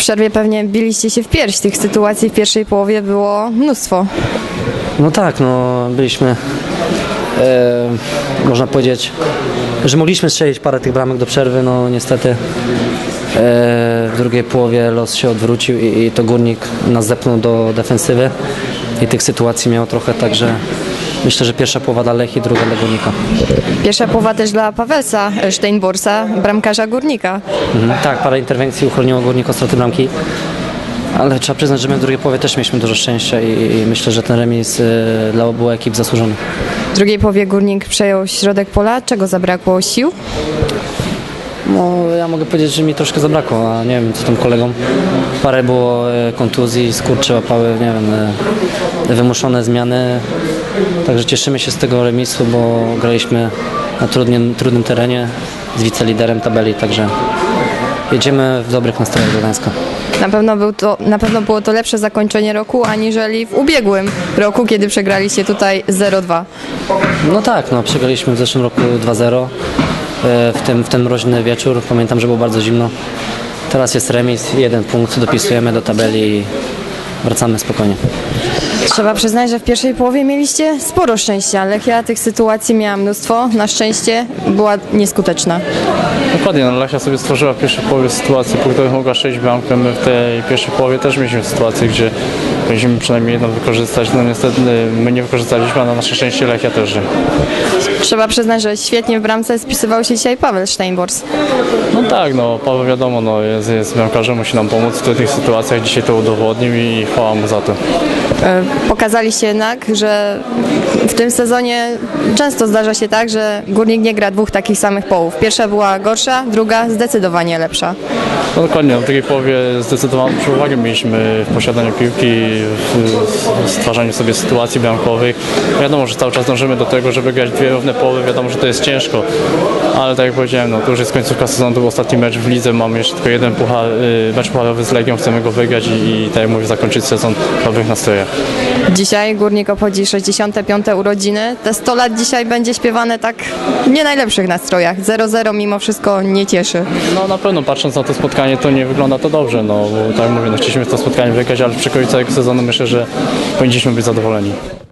przerwie pewnie biliście się w pierś. Tych sytuacji w pierwszej połowie było mnóstwo. No tak, no byliśmy, można powiedzieć, że mogliśmy strzelić parę tych bramek do przerwy, no niestety w drugiej połowie los się odwrócił i to Górnik nas zepnął do defensywy i tych sytuacji miało trochę, także myślę, że pierwsza połowa dla Lechii, druga dla Górnika. Pierwsza połowa też dla Pawelsa Steinborsa, bramkarza Górnika. Tak, parę interwencji uchroniło Górnik od straty bramki. Ale trzeba przyznać, że my w drugiej połowie też mieliśmy dużo szczęścia i myślę, że ten remis dla obu ekip zasłużony. W drugiej połowie Górnik przejął środek pola. Czego zabrakło? Sił? No, ja mogę powiedzieć, że mi troszkę zabrakło, a nie wiem co tam kolegom. Parę było kontuzji, skurcze łapały, nie wiem, wymuszone zmiany. Także cieszymy się z tego remisu, bo graliśmy na trudnym terenie z wiceliderem tabeli, także jedziemy w dobrych nastrojach do Gdańska. Na pewno było to lepsze zakończenie roku, aniżeli w ubiegłym roku, kiedy przegraliście tutaj 0-2. No tak, no przegraliśmy w zeszłym roku 2-0 w ten mroźny wieczór. Pamiętam, że było bardzo zimno. Teraz jest remis, 1 punkt, dopisujemy do tabeli i wracamy spokojnie. Trzeba przyznać, że w pierwszej połowie mieliście sporo szczęścia. Lechia tych sytuacji miała mnóstwo. Na szczęście była nieskuteczna. Dokładnie, no Lechia sobie stworzyła w pierwszej połowie sytuację, po której mogła strzelić bramkę. My w tej pierwszej połowie też mieliśmy sytuację, gdzie powinniśmy przynajmniej jedną wykorzystać. No niestety my nie wykorzystaliśmy, a na nasze szczęście Lechia też. Trzeba przyznać, że świetnie w bramce spisywał się dzisiaj Paweł Steinbors. No tak, no Paweł wiadomo, no jest bramkarzem, musi nam pomóc w tych sytuacjach. Dzisiaj to udowodnił i chwała mu za to. Pokazaliście jednak, że w tym sezonie często zdarza się tak, że Górnik nie gra dwóch takich samych połów. Pierwsza była gorsza, druga zdecydowanie lepsza. No dokładnie, w drugiej połowie zdecydowaną przewagę mieliśmy w posiadaniu piłki, w stwarzaniu sobie sytuacji bramkowych. Wiadomo, że cały czas dążymy do tego, żeby grać dwie równe połowy, wiadomo, że to jest ciężko, ale tak jak powiedziałem, no to już jest końcówka sezonu, to był ostatni mecz w lidze, mamy jeszcze tylko jeden mecz pucharowy z Legią, chcemy go wygrać i tak jak mówię, zakończyć sezon w dobrych nastrojach. Dzisiaj Górnik obchodzi 65. urodziny. Te 100 lat dzisiaj będzie śpiewane tak w nie najlepszych nastrojach. 0-0 mimo wszystko nie cieszy. No na pewno patrząc na to spotkanie, to nie wygląda to dobrze, no bo tak jak mówię, no chcieliśmy to spotkanie wygrać, ale przy końcu całego sezonu myślę, że powinniśmy być zadowoleni.